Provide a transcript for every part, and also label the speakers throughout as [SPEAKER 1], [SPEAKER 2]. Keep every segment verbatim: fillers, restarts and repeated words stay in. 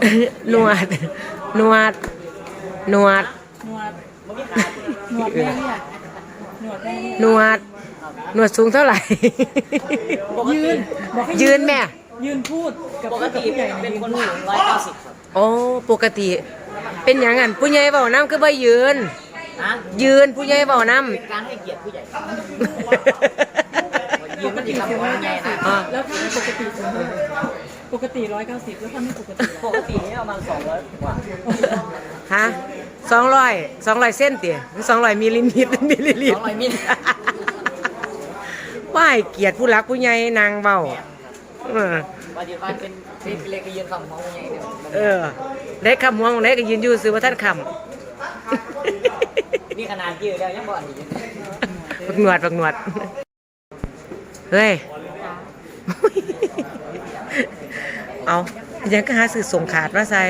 [SPEAKER 1] นวดนวดนวด
[SPEAKER 2] หนวดหนวดแม่เนี่ยหนวดแม่เนี่ย
[SPEAKER 1] นวดนวดสูงเท่าไหร่
[SPEAKER 2] ยืนบอกให้
[SPEAKER 1] ยืนแม่
[SPEAKER 2] ยืนพูดกับ
[SPEAKER 3] ปกติ
[SPEAKER 2] ผู้ใหญ่
[SPEAKER 3] เป็นคน
[SPEAKER 2] พู
[SPEAKER 3] สู
[SPEAKER 2] ด
[SPEAKER 3] งร้อยเก้าสิบครับ
[SPEAKER 1] โอ้ปกติ เป็นอย่างนั้นผู้ใหญ่เบาน้ำคือบ่ยืน
[SPEAKER 3] นะ
[SPEAKER 1] ยืนผู้ใหญ่เบาน้
[SPEAKER 3] เป็นการให้เกียรติผู้ใหญ่
[SPEAKER 1] ำ
[SPEAKER 3] ยืนมันดีครับผมใหญ่นะ
[SPEAKER 1] อ่า
[SPEAKER 2] แล้วถ้าไม่ปกติสูงเท่าไหร่ปกติร้อยเก้าสิบแล้วถ้าไม่ปกติ
[SPEAKER 3] ปกตินี่ประมาณสองร้อยกว่า
[SPEAKER 1] ฮะสองร้อยสองร้อยเส้นเตี๋ยสองร้อยมิลลิลิตรมิลลิลิ
[SPEAKER 3] ส
[SPEAKER 1] ต
[SPEAKER 3] อง
[SPEAKER 1] ร
[SPEAKER 3] ร้อยมิล
[SPEAKER 1] ว่าให้เกียรติผู้รักผู้ใหญ่นางเบาเออ
[SPEAKER 3] ว่าดีว่าเป็นเป็นเล็กก็ยืนคำของผู้ใหญ่เนี่ย
[SPEAKER 1] เออได้คำหัวของได้ก็ยืนอยู่ซื้อว่าท่านค
[SPEAKER 3] นี่ขนาดยืนแล้วยังบ่อันนี้
[SPEAKER 1] ำปักหนวดปักหนวดเฮ้ยเอายังก็หาสื่อส่งขาดมาใส่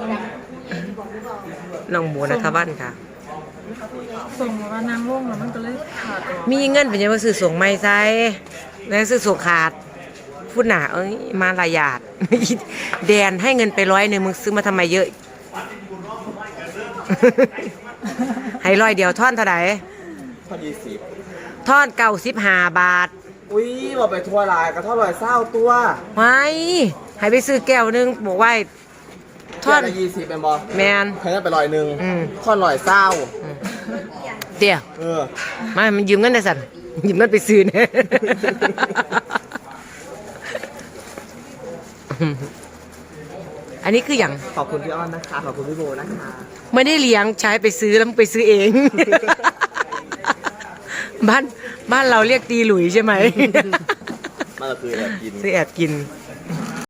[SPEAKER 1] น้องหมูนะทบ้านค่ะ
[SPEAKER 2] ส่งมานางร่วงแล้วมันก็เลยขาดออก
[SPEAKER 1] มีเงินเป็นยังว่าซื้อส่งไม่ใส่แล้วซื้อส่งขาดพูดหนาเอ้ยมาลายาด แดนให้เงินไปร้อยหนึ่งมึงซื้อมาทำไมเยอะ ให้ร้อยเดียวท่อนเท่าไหร่
[SPEAKER 4] พอดีสิบ
[SPEAKER 1] ท่อนเก้าสิบห้าบาท
[SPEAKER 4] อุ้ยบอกไปทัวร์ลายก็เท่าไหร่เศร้าตัว
[SPEAKER 1] ไว้ให้ไปซื้อแก้วหนึงบอกว่าท่อน
[SPEAKER 4] ละยี่สิบเป็นบอ
[SPEAKER 1] แมน
[SPEAKER 4] ใครได้ไปลอยหนึ่ง
[SPEAKER 1] อืม
[SPEAKER 4] ท่อนลอยเศร้า
[SPEAKER 1] เดี๋ยว
[SPEAKER 4] เออ
[SPEAKER 1] มามันยืมเงินได้สันยืมเงินไปซื้อเนี่ย อันนี้คืออย่าง
[SPEAKER 4] ขอบคุณพี่อ้อนนะคะ ขอบคุณพี่โบนะคะ
[SPEAKER 1] ไม่ได้เลี้ยงใช้ไปซื้อแล้วมึงไปซื้อเอง บ้านบ้านเราเรียกตีหลุยใช่ไหม
[SPEAKER 4] มาเราคือแอบกิน
[SPEAKER 1] ซื้อแอบกิน
[SPEAKER 4] เ